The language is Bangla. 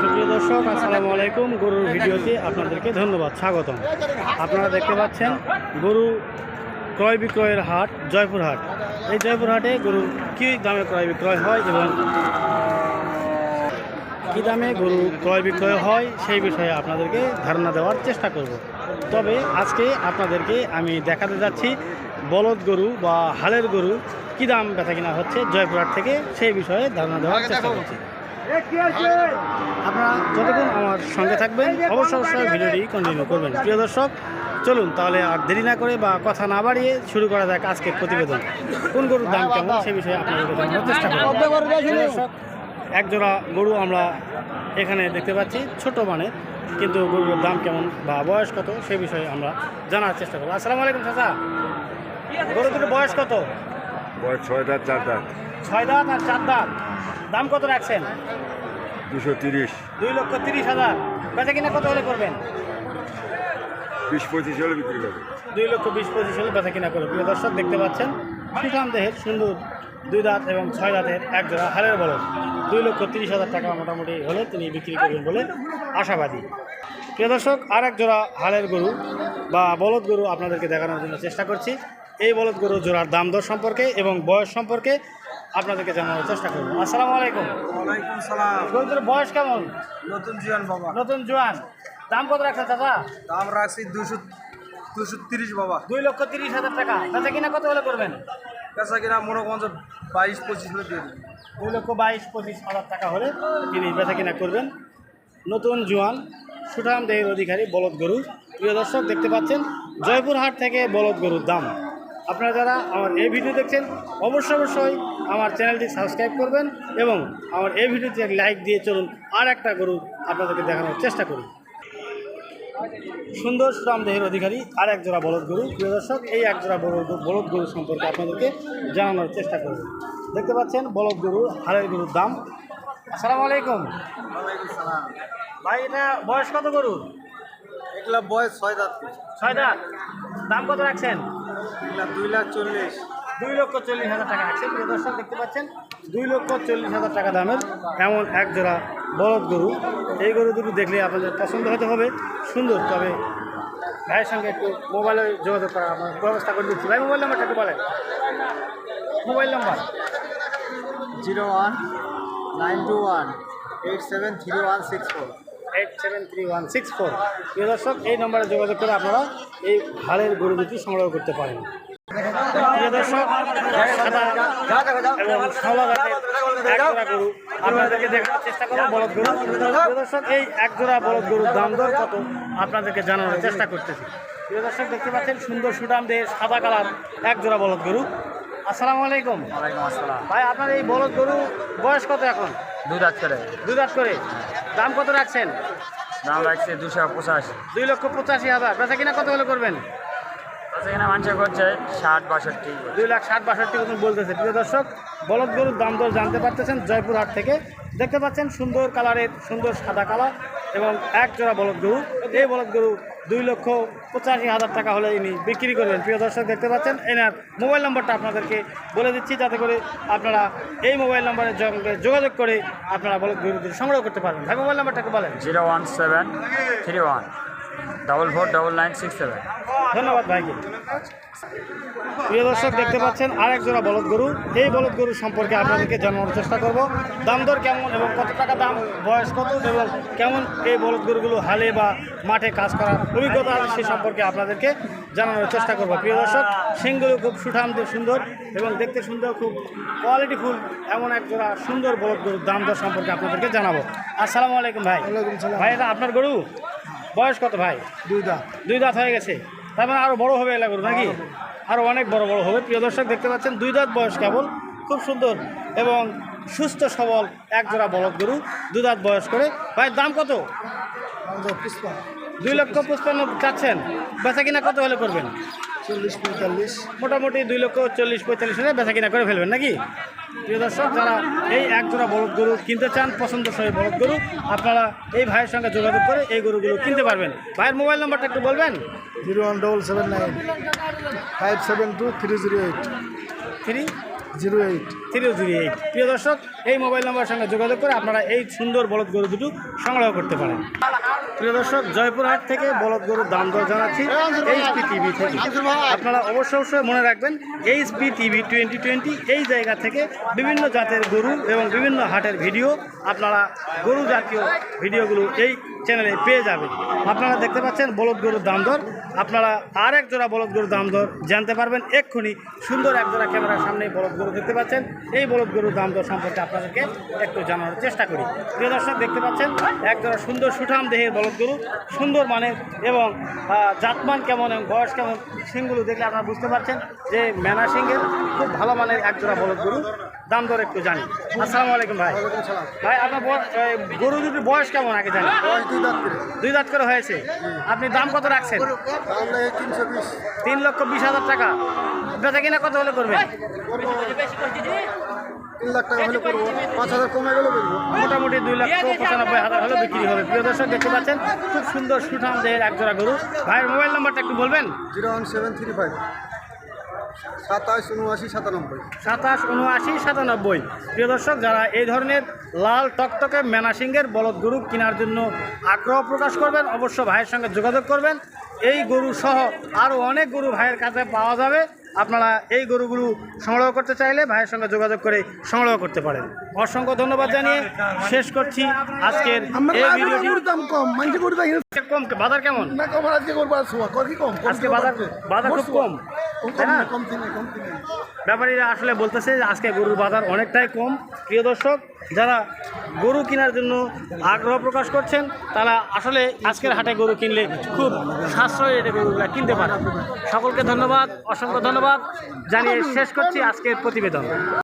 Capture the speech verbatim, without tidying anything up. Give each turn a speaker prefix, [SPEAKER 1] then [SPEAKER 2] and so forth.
[SPEAKER 1] সুপ্রিয় দর্শক, আসসালামু আলাইকুম। গরুর ভিডিওতে আপনাদেরকে ধন্যবাদ, স্বাগতম। আপনারা দেখতে পাচ্ছেন গরু ক্রয় বিক্রয়ের হাট, জয়পুর হাট। এই জয়পুর হাটে গরু কী দামে ক্রয় বিক্রয় হয় এবং কী দামে গরু ক্রয় বিক্রয় হয় সেই বিষয়ে আপনাদেরকে ধারণা দেওয়ার চেষ্টা করব। তবে আজকে আপনাদেরকে আমি দেখাতে যাচ্ছি বলদ গরু বা হালের গরু কী দাম বেচা কিনা হচ্ছে জয়পুর হাট থেকে, সেই বিষয়ে ধারণা দেওয়ার চেষ্টা করছি। আপনারা যতক্ষণ আমার সঙ্গে থাকবেন অবশ্যই অবশ্যই ভিডিওটি কন্টিনিউ করবেন। প্রিয় দর্শক, চলুন তাহলে আর দেরি না করে বা কথা না বাড়িয়ে শুরু করা যাক আজকের প্রতিবেদন। কোন গরুর দাম কেমন সে বিষয়ে আপনাদেরকে জানানোর চেষ্টা করব। দর্শক, একজোড়া গরু আমরা এখানে দেখতে পাচ্ছি, ছোট মানের, কিন্তু গরুর দাম কেমন বা বয়স কত সে বিষয়ে আমরা জানার চেষ্টা করব। আসসালামু আলাইকুম চাচা, গরু দুটোর বয়স কত?
[SPEAKER 2] বয়স ছয় দাঁত চার দাঁত।
[SPEAKER 1] ছয় দাঁত আর চার দাঁত। দাম কত রাখছেন?
[SPEAKER 2] দুশো তিরিশ।
[SPEAKER 1] দুই লক্ষ তিরিশ হাজার। বেচা কিনা কত হলে করবেন?
[SPEAKER 2] বিশ পঁচিশ হলে বিক্রি করবে।
[SPEAKER 1] দুই লক্ষ বিশ পঁচিশ হলে বেচা কিনা করে। প্রিয় দর্শক, দেখতে পাচ্ছেন সুঠাম দেহের সুন্দর দুই দাঁত এবং ছয় দাঁতের এক জোড়া হালের বলদ দুই লক্ষ তিরিশ হাজার টাকা মোটামুটি হলে তিনি বিক্রি করবেন বলে আশাবাদী। প্রিয় দর্শক, আর এক জোড়া হালের গরু বা বলদ গরু আপনাদেরকে দেখানোর জন্য চেষ্টা করছি। এই বলদ গরু জোড়ার দাম দর সম্পর্কে এবং বয়স সম্পর্কে আপনাদেরকে জানানোর চেষ্টা করব। আসসালামু আলাইকুম।
[SPEAKER 3] ওয়ালাইকুম সালাম।
[SPEAKER 1] গরুর বয়স কেমন?
[SPEAKER 3] নতুন জোয়ান বাবা।
[SPEAKER 1] নতুন জোয়ান। দাম কত রাখছেন চাচা?
[SPEAKER 3] দাম রাখছি দুশো দুশো তিরিশ বাবা।
[SPEAKER 1] দুই লক্ষ তিরিশ হাজার টাকা। বেচা কিনা কত হলে করবেন?
[SPEAKER 3] পেশা কিনা মনে করেন বাইশ পঁচিশ হলে দিয়ে দেবেন।
[SPEAKER 1] দুই লক্ষ বাইশ পঁচিশ হাজার টাকা হলে তিনি বেচা কিনা করবেন। নতুন জোয়ান সুঠাম দেহের অধিকারী বলদ গরু। প্রিয় দর্শক, দেখতে পাচ্ছেন জয়পুর হাট থেকে বলদ গরুর দাম। আপনারা যারা আমার এই ভিডিও দেখছেন অবশ্যই অবশ্যই আমার চ্যানেলটি সাবস্ক্রাইব করবেন এবং আমার এই ভিডিওতে লাইক দিয়ে চলুন আর একটা গরু আপনাদেরকে দেখানোর চেষ্টা করি। সুন্দর সুঠাম দেহের অধিকারী আর এক জোড়া বলদ গরু। প্রিয় দর্শক, এই এক জোড়া বলদ বলদ গরু সম্পর্কে আপনাদেরকে জানানোর চেষ্টা করব। দেখতে পাচ্ছেন বলদ গরু হালের গরুর দাম। আসসালামু আলাইকুম।
[SPEAKER 3] ওয়ালাইকুম সালাম।
[SPEAKER 1] ভাই, এটা বয়স কত গরুর?
[SPEAKER 3] এগুলা বয়স ছয় দাঁত।
[SPEAKER 1] ছয় দাঁত। দাম কত রাখছেন?
[SPEAKER 3] এগুলা দুই লাখ চল্লিশ।
[SPEAKER 1] দুই লক্ষ চল্লিশ হাজার টাকা রাখছেন। প্রিয় দর্শক, দেখতে পাচ্ছেন দুই লক্ষ চল্লিশ হাজার টাকা দামের এমন এক জোড়া বলদ গরু। এই গরু দুটো দেখলে আপনাদের পছন্দ হতে হবে। সুন্দর, তবে ভাইয়ের সঙ্গে একটু মোবাইলে যোগাযোগ করার আমার ব্যবস্থা করে দিচ্ছি। ভাই, মোবাইল নাম্বারটা একটু বলেন। Mobile number
[SPEAKER 3] zero one nine two one eight seven three one six four.
[SPEAKER 1] Eight seven three one six four. প্রিয় দর্শক, এই নম্বরে যোগাযোগ করে আপনারা এই হালের গরু দুটি সংগ্রহ করতে পারেন। প্রিয় দর্শক, সাদা এবং সাদা জাতের এক জোড়া গরু আপনাদেরকে দেখানোর চেষ্টা করব, বলদ গরু। প্রিয় দর্শক, এই এক জোড়া বলদ গরুর দাম দর কত আপনাদেরকে জানানোর চেষ্টা করতেছি। প্রিয় দর্শক, দেখতে পাচ্ছেন সুন্দর সুঠাম দেহের সাদা কালার এক জোড়া বলদ গরু। আসসালামু আলাইকুম।
[SPEAKER 3] ওয়ালাইকুম আসসালাম।
[SPEAKER 1] ভাই, আপনার এই বলদ গরু বয়স কত এখন?
[SPEAKER 3] দুই দাঁত করে।
[SPEAKER 1] দুই দাঁত করে। দাম কত রাখছেন?
[SPEAKER 3] দাম রাখছে দুশো পঁচাশি।
[SPEAKER 1] দুই লক্ষ পঁচাশি হাজার। বেচা কিনা কত হলে করবেন?
[SPEAKER 3] এখানে মানুষ করছে ষাট বাষট্টি।
[SPEAKER 1] দুই লাখ ষাট বাষট্টি মতন বলতেছে। প্রিয় দর্শক, বলদ গরুর দাম দর জানতে পারতেছেন জয়পুর হাট থেকে। দেখতে পাচ্ছেন সুন্দর কালারের সুন্দর সাদা কালার এবং এক জোড়া বলদ গরু। এই বলদ গরু দুই লক্ষ পঁচাশি হাজার টাকা হলে ইনি বিক্রি করবেন। প্রিয় দর্শক, দেখতে পাচ্ছেন এনার মোবাইল নাম্বারটা আপনাদেরকে বলে দিচ্ছি, যাতে করে আপনারা এই মোবাইল নাম্বারের সঙ্গে যোগাযোগ করে আপনারা বলদ গরু সংগ্রহ করতে পারবেন। ভাই, মোবাইল নাম্বারটাকে বলেন।
[SPEAKER 3] Zero one seven three one double four double nine six seven.
[SPEAKER 1] ধন্যবাদ ভাইকে। প্রিয় দর্শক, দেখতে পাচ্ছেন আরেক জোড়া বলদ গরু। এই বলদ গরু সম্পর্কে আপনাদেরকে জানানোর চেষ্টা করব। দাম দর কেমন এবং কত টাকা দাম, বয়স কত এবং কেমন এই বলদ গরুগুলো হালে বা মাঠে কাজ করার অভিজ্ঞতা আছে সে সম্পর্কে আপনাদেরকে জানানোর চেষ্টা করব। প্রিয় দর্শক, সিংগুলো খুব সুঠাম সুন্দর এবং দেখতে সুন্দর, খুব কোয়ালিটিফুল এমন এক জোড়া সুন্দর বলদ গরুর দাম দর সম্পর্কে আপনাদেরকে জানাবো। আসসালামু আলাইকুম ভাই।
[SPEAKER 3] ওয়ালাইকুম সালাম।
[SPEAKER 1] ভাই, এটা আপনার গরু? বয়স কত ভাই?
[SPEAKER 3] দুই দাঁত।
[SPEAKER 1] দুই দাঁত হয়ে গেছে। তার মানে আরও বড়ো হবে এলা গরু নাকি? আরও অনেক বড় বড় হবে। প্রিয় দর্শক, দেখতে পাচ্ছেন দুই দাঁত বয়স কেবল, খুব সুন্দর এবং সুস্থ সবল এক জোড়া বলদ গরু, দুই দাঁত বয়স করে। ভাই, দাম কত? দুই লক্ষ পঁচপান্ন চাচ্ছেন। বেচা কিনা কত হলে করবেন?
[SPEAKER 3] চল্লিশ পঁয়তাল্লিশ।
[SPEAKER 1] মোটামুটি দুই লক্ষ চল্লিশ পঁয়তাল্লিশ হলে বেচা কিনা করে ফেলবেন নাকি? প্রিয় দর্শক, যারা এই এক জোড়া বলদ গরু কিনতে চান, পছন্দসই বলদ গরু, আপনারা এই ভাইয়ের সঙ্গে যোগাযোগ করে এই গরুগুলো কিনতে পারবেন। ভাইয়ের মোবাইল নাম্বারটা একটু বলবেন।
[SPEAKER 3] Zero one double seven nine five seven two three zero eight.
[SPEAKER 1] Three
[SPEAKER 4] zero eight
[SPEAKER 1] three zero eight. প্রিয় দর্শক, এই মোবাইল নাম্বারের সঙ্গে যোগাযোগ করে আপনারা এই সুন্দর বলদ গরু দুটো সংগ্রহ করতে পারেন। প্রিয় দর্শক, জয়পুরহাট থেকে বলদ গরুর দাম দর জানাচ্ছি এইচপি টিভি থেকে। আপনারা অবশ্যই অবশ্যই মনে রাখবেন, এইচপি টিভি টোয়েন্টি টোয়েন্টি এই জায়গা থেকে বিভিন্ন জাতের গরু এবং বিভিন্ন হাটের ভিডিও আপনারা গরু জাতীয় ভিডিওগুলো এই চ্যানেলে পেয়ে যাবেন। আপনারা দেখতে পাচ্ছেন বলদ গরুর দাম দর, আপনারা আর এক জোড়া বলদ গরুর দাম দর জানতে পারবেন এক্ষুনি। সুন্দর এক জোড়া ক্যামেরার সামনে বলদ গরু দেখতে পাচ্ছেন, এই বলদ গরুর দাম দর সম্পর্কে আপনাদেরকে একটু জানানোর চেষ্টা করি। প্রিয় দর্শক, দেখতে পাচ্ছেন এক জোড়া সুন্দর সুঠাম দেহের বলদ গরু, সুন্দর মানের এবং আহ, জাতমান কেমন এবং বয়স কেমন, সিংগুলো দেখলে আপনারা বুঝতে পারছেন যে মেনা সিংহের খুব ভালো মানের এক জোড়া বলদ গরু। দাম দর একটু জানি। আসসালামু আলাইকুম ভাই। ভাই, আপনার ব- এই গরু দুটির বয়স কেমন আগে জানি?
[SPEAKER 3] বয়স দুই দাঁত করে
[SPEAKER 1] দুই দাঁত করে হয়েছে। আপনি দাম কত রাখছেন?
[SPEAKER 3] তাহলে তিনশো বিশ
[SPEAKER 1] তিন লক্ষ বিশ হাজার টাকা। বেচা কিনা কত হলে করবেন?
[SPEAKER 3] তিন লাখ টাকা হলে করবো, পাঁচ হাজার কমে গেলে বলবো।
[SPEAKER 1] মোটামুটি দুই লক্ষ পঁচানব্বই হাজার হলে বিক্রি হবে। প্রিয় দর্শক, দেখতে পাচ্ছেন খুব সুন্দর সুঠাম দেহের এক জোড়া গরু। ভাইয়ের মোবাইল নাম্বারটা একটু বলবেন?
[SPEAKER 3] Zero one seven three five সাতাশ উনআশি সাতানব্বই।
[SPEAKER 1] সাতাশ উনআশি সাতানব্বই। প্রিয় দর্শক, যারা এই ধরনের লাল টকটকে মেনা সিংহের বলদ গরু কেনার জন্য আগ্রহ প্রকাশ করবেন, অবশ্য ভাইয়ের সঙ্গে যোগাযোগ করবেন। এই গরু সহ আরও অনেক গরু ভাইয়ের কাছে পাওয়া যাবে। আপনারা এই গরুগুলো সংগ্রহ করতে চাইলে ভাইয়ের সঙ্গে যোগাযোগ করে সংগ্রহ করতে পারেন। অসংখ্য ধন্যবাদ জানিয়ে শেষ করছি আজকের এই ভিডিওটি।
[SPEAKER 4] দাম কম মানছি গরু দাম
[SPEAKER 1] কম বাজার কেমন?
[SPEAKER 4] না কম আজকে করবো আর শোয়া কর কি কম
[SPEAKER 1] আজকে বাজার বাজার খুব কম, তাই না?
[SPEAKER 4] কম তিনে কম তিনে
[SPEAKER 1] ব্যাপারীরা আসলে বলতেছে যে আজকে গরুর বাজার অনেকটাই কম। প্রিয় দর্শক, যারা গরু কেনার জন্য আগ্রহ প্রকাশ করছেন তারা আসলে আজকের হাটে গরু কিনলে খুব সাশ্রয়ী রেটে গরুগুলা কিনতে পারেন। সকলকে ধন্যবাদ, অসংখ্য ধন্যবাদ জানিয়ে শেষ করছি আজকের প্রতিবেদন।